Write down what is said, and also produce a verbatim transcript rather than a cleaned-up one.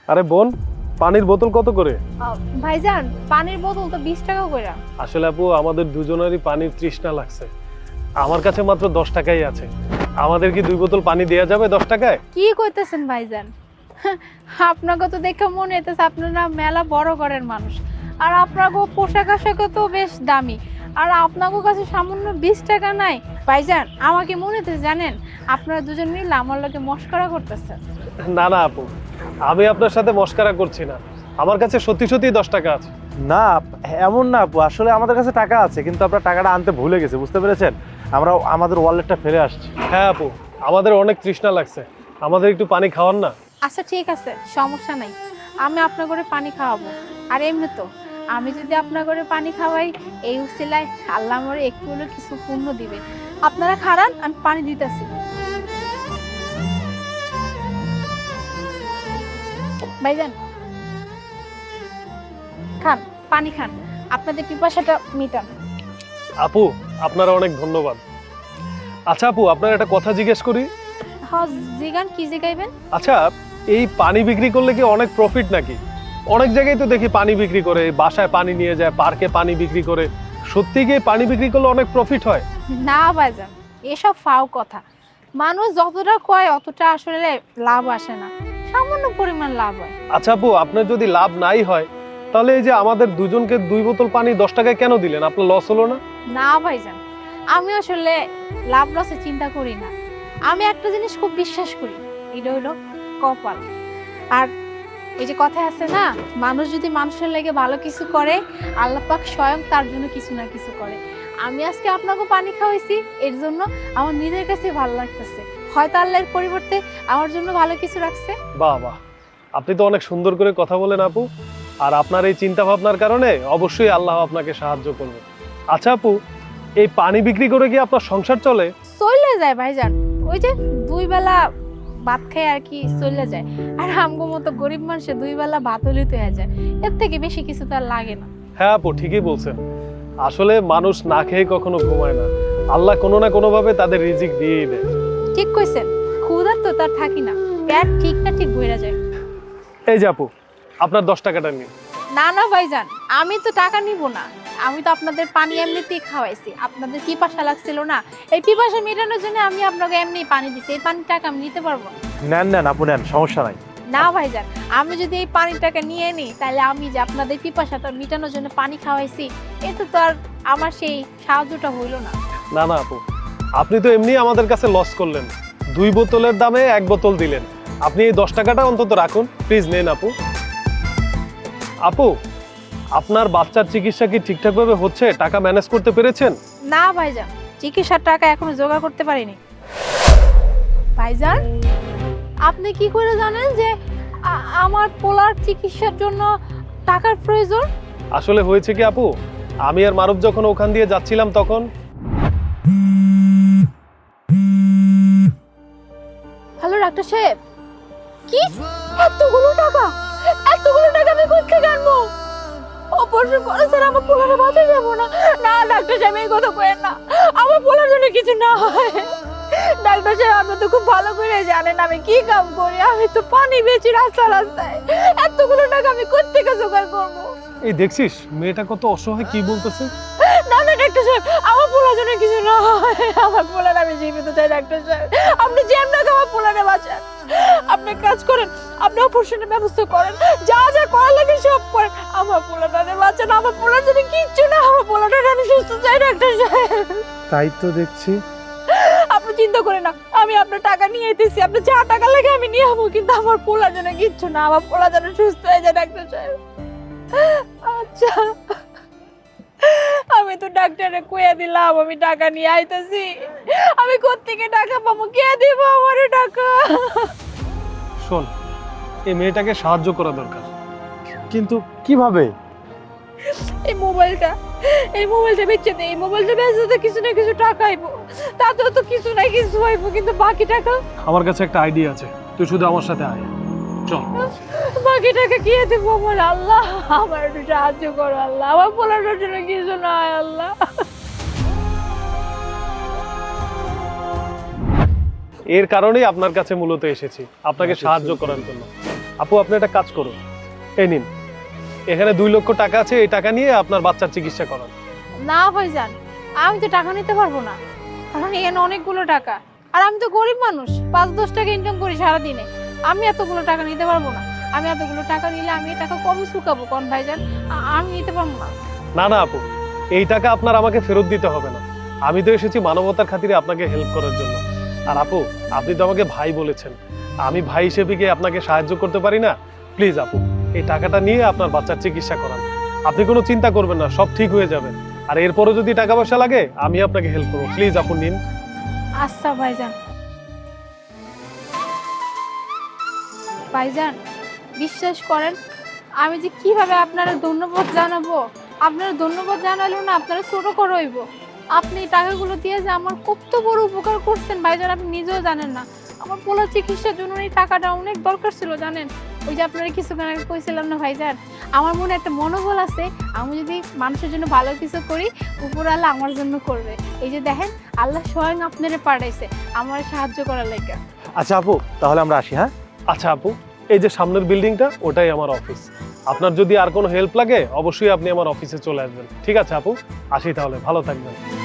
আরে বোন, পানির বোতল কত করে? ভাইজান পানির বোতল তো বিশ টাকা করে। আসলে আপু আমাদের দুজনেরই পানির তৃষ্ণা লাগছে, আমার কাছে মাত্র দশ টাকাই আছে। আমাদের কি দুই বোতল পানি দেওয়া যাবে দশ টাকায়? কি কইতেছেন ভাইজান? আপনাকে তো দেখে মনে হইতেছে আপনারা মেলা বড় ঘরের মানুষ, আর আপনাকে পোশাক আশাক তো বেশ দামি, আর আপনাকে কাছে সামান্য বিশ টাকা নাই। ভাইজান আমাকে মনে হইতেছে জানেন আপনারা দুজন মিলে আমার লগে মস্করা করতেছেন। না না আপু, আমি আপনার সাথে মস্কারা করছি না, আমার কাছে সত্যি সত্যি দশ টাকা আছে। না এমন না আপু, আসলে আমাদের কাছে টাকা আছে কিন্তু আপনার টাকাটা আনতে ভুলে গেছে, বুঝতে পেরেছেন? আমরা আমাদের ওয়ালেটটা ফেলে আসছি। হ্যাঁ আপু, আমাদের অনেক তৃষ্ণা লাগছে, আমাদের একটু পানি খাওয়ান না। আচ্ছা ঠিক আছে, সমস্যা নাই, আমি আপনার ঘরে পানি খাওয়াবো। আর এমনি তো আমি যদি আপনার ঘরে পানি খাওয়াই, এই উসিলায় আল্লাহ আমার একটু হলেও কিছু পুণ্য দিবে। আপনারা খারান, আমি পানি দিতেছি। ভাইজান খান, পানি খান, আপনাদের পিপাসাটা মিটান। আপু আপনারা অনেক ধন্যবাদ। আচ্ছা আপু, আপনার একটা কথা জিজ্ঞেস করি। হ্যাঁ জিগান, কি জিগাইবেন? আচ্ছা, এই পানি বিক্রি করলে কি অনেক প্রফিট নাকি? অনেক জায়গায় তো দেখি পানি বিক্রি করে, বাসায় পানি নিয়ে যায়, পার্কে পানি বিক্রি করে। সত্যি কি পানি বিক্রি করলে অনেক প্রফিট হয়? না ভাইজান, এসব ফাও কথা। মানুষ যতটা কয় অতটা আসলে লাভ আসে না, সামান্য পরিমাণ লাভ হয়। আচ্ছা আপু, আপনার যদি লাভ নাই হয় তাহলে এই যে আমাদের দুজনকে দুই বোতল পানি দশ টাকায় কেন দিলেন? আপনার লস হলো না? না ভাইজান, আমি আসলে লাভ লসে চিন্তা করি না। আমি একটা জিনিস খুব বিশ্বাস করি, এটা হলো কপাল। আর এই যে কথা আছে না, মানুষ যদি মানুষের লেগে ভালো কিছু করে, আল্লাহ পাক স্বয়ং তার জন্য কিছু না কিছু করে। আমি আজকে আপনাকে পানি খাওয়াইছি, এর জন্য আমার নিজের কাছে ভালো লাগতেছে। হয়তো আল্লাহর পরিবর্তে আমার জন্য ভালো কিছু রাখছে। বাহ বাহ, আপনি তো অনেক সুন্দর করে কথা বলেন আপু। আর আপনার এই চিন্তা ভাবনার কারণে অবশ্যই আল্লাহ আপনাকে সাহায্য করবে। আচ্ছা আপু, এই পানি বিক্রি করে কি আপনার সংসার চলে? চলে যায় ভাইজান, ওই যে দুই বেলা ভাত খায় আর কি চলে যায়। আর আমগো মতো গরিব মানুষে দুই বেলা ভাত হলেই তো হয়ে যায়, এর থেকে বেশি কিছু তো আর লাগে না। হ্যাঁ আপু, ঠিকই বলছেন। আসলে মানুষ না খেয়ে কখনো ঘুমায় না, আল্লাহ কোনো না কোনো ভাবে তাদের রিজিক দিয়েই দেয়। ঠিক কইছেন, ক্ষুধা তো তার থাকি না, পেট ঠিক না ঠিক বইরা যায়। এই যে আপু, আপনার দশ টাকাটা নিন। না না ভাইজান, আমি তো টাকা নিব না, আমি তো আপনাদের পানি এমনিতেই খাওয়াইছি। আপনাদের পিপাসা লাগছিল না, এই পিপাসা মেটানোর জন্য আমি আপনাকে এমনি পানি দিছি। এই পানির টাকা আমি নিতে পারবো না। নেন নেন আপু নেন, সমস্যা নাই। না ভাইজান, আমি যদি এই পানির টাকা নিয়ে নিই, তাহলে আমি যে আপনাদের পিপাসাটা মেটানোর জন্য পানি খাওয়াইছি, এতে তো আর আমার সেই সাহায্যটা হইল না। না না আপু, আপনি তো এমনি আমাদের কাছে লস করলেন, দুই বোতলের দামে এক বোতল দিলেন। আপনি এই দশ টাকাটা অন্তত রাখুন, প্লিজ নেন আপু। আপু, আপনার বাচ্চার চিকিৎসা কি ঠিকঠাকভাবে হচ্ছে? টাকা ম্যানেজ করতে পেরেছেন? না ভাইজান, চিকিৎসার টাকা এখনো জোগাড় করতে পারিনি। ভাইজান আপনি কি করে জানেন যে আ- আমার পোলার চিকিৎসার জন্য টাকার প্রয়োজন? আসলে হয়েছে কি আপু, আমি আর মারুফ যখন ওখান দিয়ে যাচ্ছিলাম তখন। হ্যালো ডাক্তার সাহেব, কি এতগুলো টাকা? এতগুলো টাকা আমি কোথেকে আনবো? অপারেশন করেছেন, আমার পোলারে বাঁচা যাবো না। না ডাক্তার সাহেব, এই কথা কইেন না, আমার পোলার জন্য কিছু না হয়। ডাক্তার সাহেব আপনি তো খুব ভালো করে জানেন আমি কি কাম করি, আমি তো পানি বেচি রাস্তা রাস্তায়। এতগুলো টাকা আমি কোথেকে জোগাড় করবো? এই দেখছিস মেয়েটা কত অসহায়, কি বলতেছে। না না ডাক্তার সাহেব, আমার পোলার জন্য কিছু না হয়, আমার পোলার আমি জীবিত চাই। ডাক্তার সাহেব আপনি যেমন আমার পোলারে বাঁচান। আপনি কাজ করেন, আপনি অপারেশনের ব্যবস্থা করেন, যা যা করার লাগে সব করেন, আমার পোলাটারে বাঁচান। আমার পোলার জন্য কিচ্ছু না, আমার পোলাটারে আমি সুস্থ চাই ডাক্তার সাহেব। তাই তো দেখছি। আপনি চিন্তা করেন না, আমি আপনার টাকা নিয়ে আইতেছি, আপনি যা টাকা লাগে আমি নিয়ে যাবো, কিন্তু আমার পোলার জন্য কিচ্ছু না, আমার পোলা যেন সুস্থ হয়ে যায় ডাক্তার সাহেব। আচ্ছা আমি তো ডাক্তারে কইয়া দিলাম আমি টাকা নিয়ে আইতেছি, আমি কোত্থেকে টাকা পাবো? কে দিব আমারে টাকা? শোন, এই মেয়েটাকে সাহায্য করা দরকার। কিন্তু কিভাবে? এই মোবাইলটা এই মোবাইলটা বেচে দে, এই মোবাইলটা বেচে তো কিছু না কিছু টাকা আইবো, তাতেও তো কিছু না কিছু আইবো, কিন্তু বাকি টাকা? আমার কাছে একটা আইডিয়া আছে, তুই শুধু আমার সাথে আয়, চল। বাকি টাকা কে দিব আমার? আল্লাহ আমার একটু সাহায্য করো আল্লাহ, আমার পোলার জন্য কিছু না হয় আল্লাহ। এর কারণেই আপনার কাছে মূলত এসেছি, আপনাকে সাহায্য করার জন্য। আপু আপনি একটা কাজ করুন, এই নিন, এখানে দুই লক্ষ টাকা আছে, এই টাকা নিয়ে আপনার বাচ্চার চিকিৎসা করান। না ভাইজান, আমি তো টাকা নিতে পারবো না, কারণ এখানে অনেকগুলো টাকা, আর আমি তো গরিব মানুষ, পাঁচ দশ টাকা ইনকাম করি সারাদিনে। আমি এতগুলো টাকা নিতে পারবো না। আমি এতগুলো টাকা নিলে আমি এই টাকা কবে চুকাবো কোন ভাইজান? আ- আমি নিতে পারবো না। না না আপু, এই টাকা আপনার আমাকে ফেরত দিতে হবে না। আমি তো এসেছি মানবতার খাতিরে আপনাকে হেল্প করার জন্য। আর আপু, আপনি তো আমাকে ভাই বলেছেন, আমি ভাই হিসেবে কি আপনাকে সাহায্য করতে পারি না? প্লিজ আপু, এই টাকাটা নিয়ে আপনার বাচ্চার চিকিৎসা করান। আপনি কোনো চিন্তা করবেন না, সব ঠিক হয়ে যাবে। আর এরপরও যদি টাকা পয়সা লাগে আমি আপনাকে হেল্প করবো। প্লিজ আপু নিন। আচ্ছা ভাইজান। ভাইজান, বিশ্বাস করেন, আমি যে কিভাবে আপনারা ধন্যবাদ জানাবো, আপনারা ধন্যবাদ জানালেও না আপনারা ছোট করে হইব। আপনি এই টাকাগুলো দিয়ে যে আমার কত বড় উপকার করছেন ভাইজান, আপনি নিজেও জানেন না। আমার পোলার চিকিৎসার জন্য এই টাকাটা অনেক দরকার ছিল জানেন। ওই যে আপনারা কিছুক্ষণ আগে কইছিলাম না ভাইজান, আমার মনে একটা মনোবল আছে, আমি যদি মানুষের জন্য ভালো কিছু করি, উপরওয়ালা আমার জন্য করবে। এই যে দেখেন, আল্লাহ স্বয়ং আপনারে পাঠাইছে আমার সাহায্য করার লাগে। আচ্ছা আপু, তাহলে আমরা আসি। হ্যাঁ, আচ্ছা আপু, এই যে সামনের বিল্ডিংটা, ওটাই আমার অফিস। আপনার যদি আর কোনো হেল্প লাগে অবশ্যই আপনি আমার অফিসে চলে আসবেন। ঠিক আছে আপু, আসি তাহলে, ভালো থাকবেন।